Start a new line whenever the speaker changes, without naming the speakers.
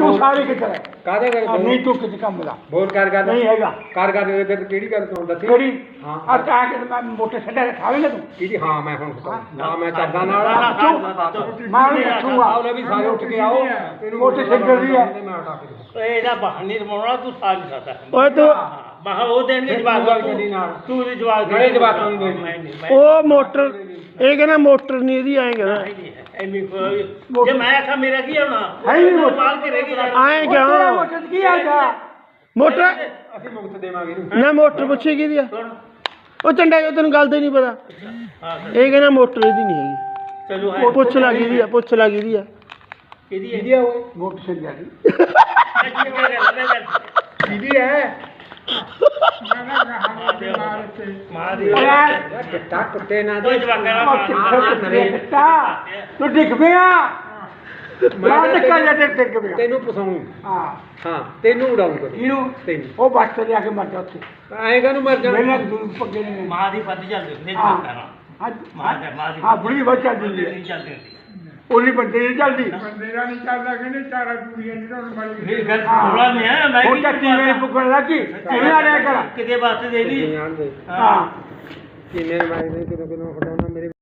ਤੂੰ ਸਾਰੇ ਕਿੱਥੇ ਹੈ
ਕਾਹਦੇ ਕਰ
ਨਹੀਂ ਤੂੰ ਕਿਤੇ ਕੰਮ ਦਾ
ਬੋਲ ਕਰ
ਨਹੀਂ ਹੈਗਾ
ਕਰ ਦੇ ਤੇ ਕਿਹੜੀ ਗੱਲ ਤੋਂ ਦੱਸੀ
ਕਿਹੜੀ
ਹਾਂ
ਆ ਤਾਂ ਕਿ ਮੈਂ ਮੋਟੇ ਛੱਡਿਆ ਖਾਵੇਂਗਾ ਤੂੰ
ਕਿਹਦੀ ਹਾਂ ਮੈਂ ਹੁਣ ਹਾਂ ਮੈਂ ਚੱਲਦਾ ਨਾਲ
ਮੈਂ ਉਹਨੂੰ ਪੁੱਛੂਗਾ
ਆਓ ਲੈ ਵੀ ਸਾਰੇ ਉੱਠ ਕੇ ਆਓ
ਮੋਟੇ ਛੱਡਣ ਦੀ ਹੈ
ਮੈਂ ਹਟਾ ਕੇ
ਇਹਦਾ ਬਹਾਨੇ ਰਮਾਉਣਾ ਤੂੰ ਸਾਜ ਸਕਦਾ
ਓਏ ਤੂੰ
ਮਹਾ ਉਹ ਦੇਣਗੇ ਜਵਾਬ ਤੂੰ ਦੇ ਜਵਾਬ
ਗੜੇ ਜਵਾਕਾਂ ਨੂੰ ਦੇ
ਉਹ ਮੋਟਰ ਇਹ ਕਹਿੰਦਾ ਮੋਟਰ ਨਹੀਂ ਇਹਦੀ ਐਂ ਕਹਿੰਦਾ
ਜੇ ਮੈਂ ਆਖਾਂ ਮੇਰਾ ਕੀ ਹੋਣਾ
ਹੈ ਹੀ ਨਹੀਂ ਮੋਟਰ।
ਮਾਲ ਕੇ ਰਹਿ ਗਈ
ਐਂ ਕਿਉਂ
ਮੋਟੇ ਕੀ ਆ ਜਾ
ਮੋਟਰ
ਅਸੀਂ ਮੁਕਤ ਦੇਵਾਂਗੇ ਇਹਨੂੰ
ਨਾ ਮੋਟਰ ਪੁੱਛੇ ਕਿਹਦੀ ਆ
ਕੌਣ
ਉਹ ਚੰਡਾ ਜੋ ਤੈਨੂੰ ਗੱਲ ਤੇ ਨਹੀਂ ਪਤਾ
ਹਾਂ
ਇਹ ਕਹਿੰਦਾ ਮੋਟਰ ਇਹਦੀ ਨਹੀਂ ਹੈਗੀ
ਚਲੋ ਹੈ
ਪੁੱਛ ਲੱਗ ਇਹਦੀ ਆ ਪੁੱਛ ਲੱਗ ਇਹਦੀ ਆ
ਕਿਹਦੀ ਹੈ
ਕਿਹਦੀ ਆ ਓਏ
ਮੋਟੇ ਛੱਡਿਆ ਦੀ
ਕਿਹਦੀ ਹੈ
ਮਾਂ ਦੀ
ਕਿੱਟਾ ਕੁੱਤੇ ਨਾ
ਕੋਈ ਜਵਾਕਾਂ
ਤੂੰ ਡਿੱਗ ਪਿਆ ਮੈਂ ਟਿੱਕਾ ਜਾ ਤੇ ਡਿੱਗ ਪਿਆ
ਤੈਨੂੰ ਪਸਾਉਂ
ਹਾਂ
ਹਾਂ ਤੈਨੂੰ ਉਡਾਉਂਗਾ
ਇਹਨੂੰ
ਤੈਨੂੰ
ਉਹ ਬੱਸ ਤੇ ਜਾ ਕੇ ਮਰ ਜਾ ਉੱਥੇ
ਆਏਗਾ ਨੂੰ ਮਰ ਜਾਣਾ
ਮੇਰੇ ਦੂਰ ਪੱਗੇ ਨੇ
ਮਾਂ ਦੀ ਪੱਤ ਚੱਲਦੀ ਹੁੰਦੀ
ਹਾਂ
ਜਵਾਕਾਂ
ਹਾਂ
ਮਾਂ ਦੀ
ਹਾਂ ਬੁੜੀ ਬੱਚਾ ਦਿੰਦੀ ਹੈ
ਨਹੀਂ ਚੱਲਦੀ ਹੁੰਦੀ
ਉਹਲੀ ਬੰਦੇ ਨਹੀਂ ਚੱਲਦੀ
ਬੰਦੇ ਦਾ ਨਹੀਂ ਚੱਲਦਾ ਕਹਿੰਦੇ ਚਾਰਾ ਕੁੜੀਆਂ ਨਹੀਂ ਤੁਹਾਨੂੰ ਮળી
ਫਿਰ ਗੱਲ ਥੋੜਾ ਨਹੀਂ ਹੈ ਮੈਂ
ਉਹ ਚੱਕੀ ਮੇਰੇ ਪੁੱਗਣ ਲੱਗੀ ਕਿਵੇਂ ਆ ਰਿਹਾ ਕਰ
ਕਿਤੇ ਵਾਸਤੇ ਦੇ ਦੀ
ਜਾਣ ਦੇ
ਹਾਂ
ਕਿੰਨੇ ਮਾਰੇ ਕਿਦੋਂ ਹਟਾਉਣਾ ਮੇਰੇ